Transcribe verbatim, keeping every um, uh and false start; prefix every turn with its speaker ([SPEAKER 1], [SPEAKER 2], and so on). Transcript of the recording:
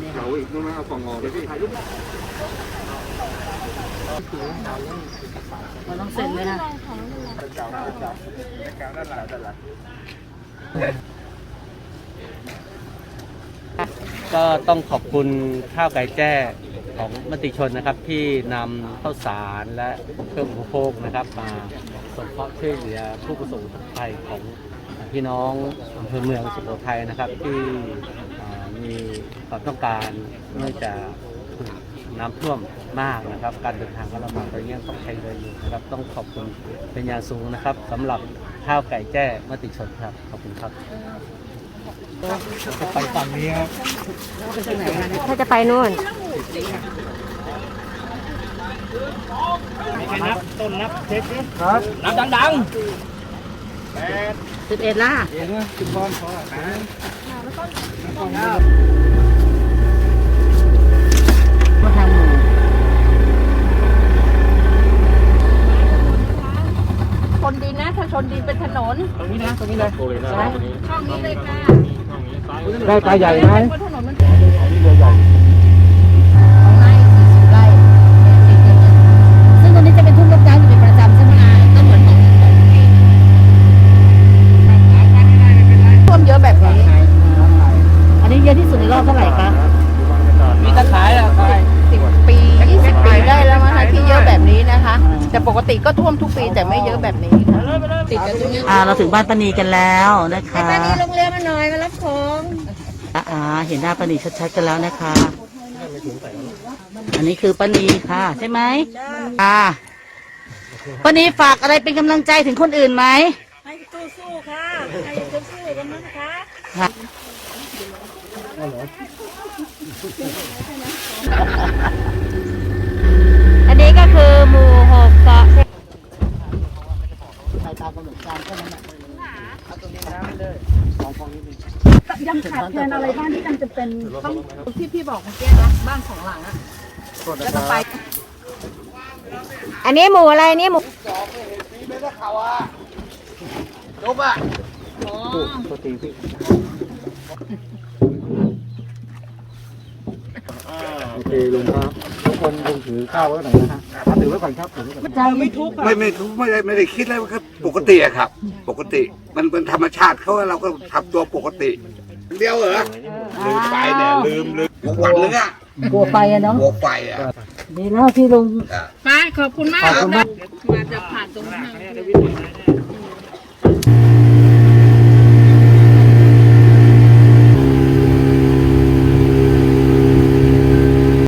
[SPEAKER 1] เราอีกนู่นนะเอากล่องออกเลยพี่ถ่ายรูป
[SPEAKER 2] เราต้องเซ็นเลยนะ
[SPEAKER 3] ก็ต้องขอบคุณข้าวไก่แจ้ของมติชนนะครับที่นำข้าวสารและเครื่องอุปโภคนะครับมาสงเคราะห์ช่วยเหลือผู้ประสบภัยของพี่น้องอำเภอเมืองสุโขทัยนะครับที่มีความต้องการเนื่องจากน้ำท่วมมากนะครับการเดินทางก็ลำบากตอนนี้ต้องใช้เรืออยู่นะครับต้องขอบคุณเป็นอย่างสูงนะครับสำหรับข้าวไก่แจ้มติชนครับขอบคุณครับจะไปฝั่งนี้ครับ
[SPEAKER 2] ถ้าจะไปนู่น
[SPEAKER 3] มีใครนับต้นนับเช็คดิ
[SPEAKER 1] ครับ
[SPEAKER 3] นับดัง
[SPEAKER 1] ๆแปด
[SPEAKER 2] สิบเอ็ดล่ะ
[SPEAKER 1] เอ็ดนะสิบบอลพอแปดเก้า
[SPEAKER 2] มาทางหนู
[SPEAKER 4] ชนดินนะถ้าชนดินเป็นถนน
[SPEAKER 1] ตรงนี้นะตรงนี้เลย
[SPEAKER 4] ช่องนี้เลยค่ะ
[SPEAKER 1] ได้ปลาใหญ่ไหม
[SPEAKER 4] บนถนนมัน
[SPEAKER 1] นี่เรือใหญ่
[SPEAKER 4] ของนายสี่สิบไร่
[SPEAKER 2] ซึ่งตรงนี้จะเป็นทุ่งลูกจ้างอยู่เป็นประจำใช่ไหมก็เหมือนของ
[SPEAKER 4] ท่วมเยอะแบบนี้
[SPEAKER 2] อันนี้เยอะที่สุดในรอบเท่าไหร่คะ
[SPEAKER 3] มีตะขายแล้วใคร
[SPEAKER 4] สิบปียี่สิบปีได้แล้วนะคะที่เยอะแบบนี้นะคะแต่ปกติก็ท่วมทุกปีแต่ไม่เยอะแบบนี้ค่ะติดกันตรงนี้
[SPEAKER 2] อ่าเราถึงบ้านป้านีกันแล้วนะคะ
[SPEAKER 4] ป้านีลงเรือมาหน่อยมารับของ
[SPEAKER 2] อ่าเห็นหน้าป้านีชัดๆกันแล้วนะคะอันนี้คือป้านีค่ะใช่ไหมอ่าป้านีฝากอะไรเป็นกำลังใจถึงคนอื่นไหม
[SPEAKER 4] ให้สู้ๆค่ะให้สู้ๆกันนะคะ
[SPEAKER 2] อันนี้ก็คือหมู่หกเกาะไปตามกำหนดการแค่นั้นแหละเอาตรงนี้น้ำเลยสองฟองนี้
[SPEAKER 4] ยังขาดแคลนอะไรบ้างที่จำจะเป็นต้องที่พี่บอกเมื่อกี้นะบ้านของหลังอะแล้วก็ไป
[SPEAKER 2] อันนี้หมู่อะไรนี่หมู่
[SPEAKER 1] จบอ่ะ
[SPEAKER 3] ปกติพี่โอเคลุงครับทุกคนลุงถือข้าวไว้หน่อยนะฮะถือไว้ก่อนครับถือไว้ก่อน
[SPEAKER 4] ใจไม่ทุกข์
[SPEAKER 1] ไม่ไม่ทุกไม่ได้ไม่ได้คิดอะไรครับปกติอะครับปกติมันเป็นธรรมชาติเขาเราก็ทำตัวปกติเดียวเหรอลืมไปเนี่ยลืมลืมหวังเลยอะ
[SPEAKER 2] กลัวไฟอะเนาะ
[SPEAKER 1] กลัวไฟอะ
[SPEAKER 2] ดีแล้วที่ลุง
[SPEAKER 4] ไปขอบคุณมากมาจะผ่านตรงนี้